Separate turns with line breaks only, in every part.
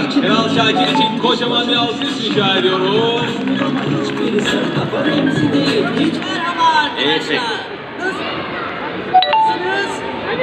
Kral Şakir için kocaman bir alkış rica ediyorum.
Hiçbirisi kafa temsil değil. Hiç merhaba arkadaşlar.
Evet.
Nasılsınız?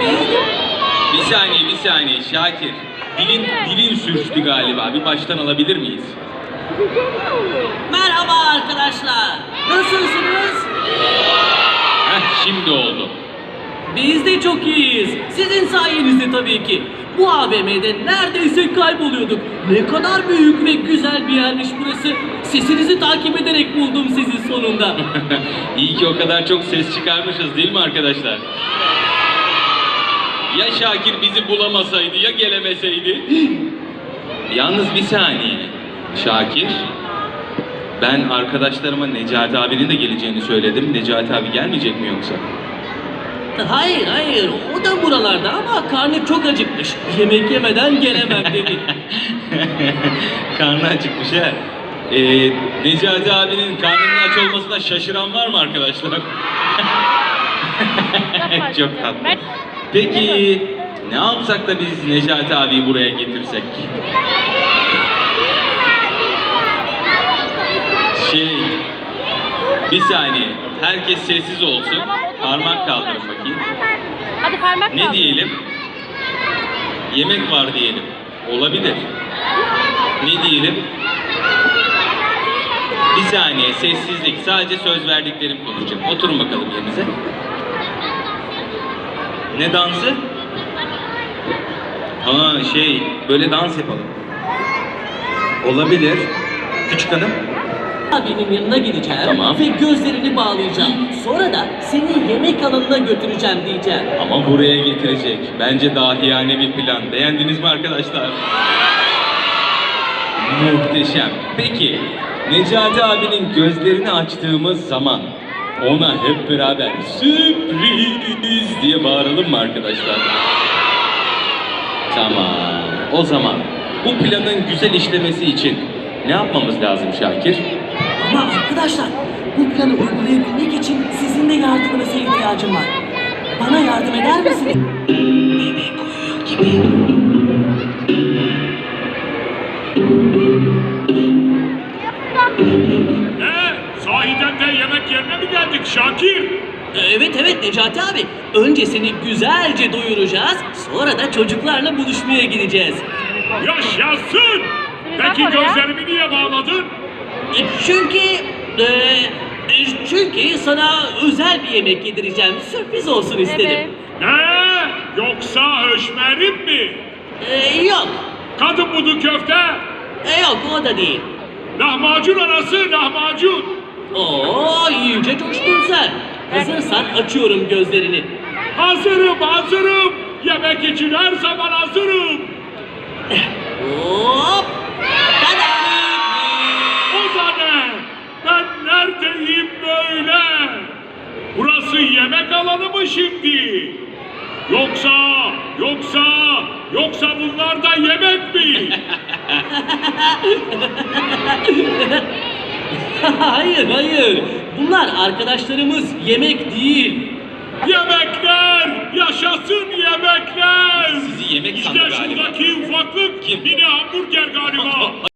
Bir saniye Şakir. Dilin sürçtü galiba. Bir baştan alabilir miyiz?
Merhaba arkadaşlar. Nasılsınız?
Heh, şimdi oldu.
Biz de çok iyiyiz. Sizin sayenizde tabii ki. Bu AVM'de neredeyse kayboluyorduk. Ne kadar büyük ve güzel bir yermiş burası. Sesinizi takip ederek buldum sizi sonunda.
İyi ki o kadar çok ses çıkarmışız değil mi arkadaşlar? Ya Şakir bizi bulamasaydı ya gelemeseydi? Yalnız bir saniye. Şakir, ben arkadaşlarıma Necati abinin de geleceğini söyledim. Necati abi gelmeyecek mi yoksa?
Hayır. O da buralarda ama karnı çok acıkmış. Yemek yemeden gelemem dedi.
Karnı acıkmış he. Necati abinin karnının aç olmasına şaşıran var mı arkadaşlar? Çok tatlı. Peki ne yapsak da biz Necati abiyi buraya getirsek? Bir saniye. Herkes sessiz olsun. Parmak kaldırın bakayım.
Hadi parmak
Ne
kaldır.
diyelim? Yemek var diyelim. Olabilir. Ne diyelim? Bir saniye sessizlik. Sadece söz verdiklerim konuşacağım. Oturun bakalım yerinize. Ne dansı? Ha böyle dans yapalım. Olabilir. Küçük hanım.
Abinin yanına gideceğim
Tamam.
ve gözlerini bağlayacağım. Sonra da seni yemek alanına götüreceğim diyeceğim.
Ama buraya getirecek. Bence dahiyane bir plan. Beğendiniz mi arkadaşlar? Muhteşem. Peki, Necati abinin gözlerini açtığımız zaman ona hep beraber sürpriz diye bağıralım mı arkadaşlar? Tamam. O zaman bu planın güzel işlemesi için ne yapmamız lazım Şakir?
Ama arkadaşlar bu planı uygulayabilmek için sizin de yardımınıza ihtiyacım var. Bana yardım eder misiniz? Yemek koyuyor gibi.
Ne? Sahiden de yemek yerine mi geldik Şakir?
Evet Necati abi. Önce seni güzelce doyuracağız. Sonra da çocuklarla buluşmaya gideceğiz.
Yaşasın! Peki gözlerimi niye bağladın?
Çünkü sana özel bir yemek yedireceğim. Sürpriz olsun istedim.
Evet.
Ne? Yoksa höşmerim mi?
Yok.
Kadın budu köfte?
Yok o da değil.
Lahmacun arası lahmacun.
Oo iyice coştun sen. Hazırsan açıyorum gözlerini.
Hazırım. Yemek için her zaman hazırım.
Hop. Tada!
O da ne? Ben neredeyim böyle? Burası yemek alanı mı şimdi? Yoksa bunlar da yemek mi?
Hayır. Bunlar arkadaşlarımız yemek değil.
Yemekler! Yaşasın yemekler!
Sizi yemek
İşte
sandı galiba.
şuradaki ufaklık
Kim?
mini hamburger galiba.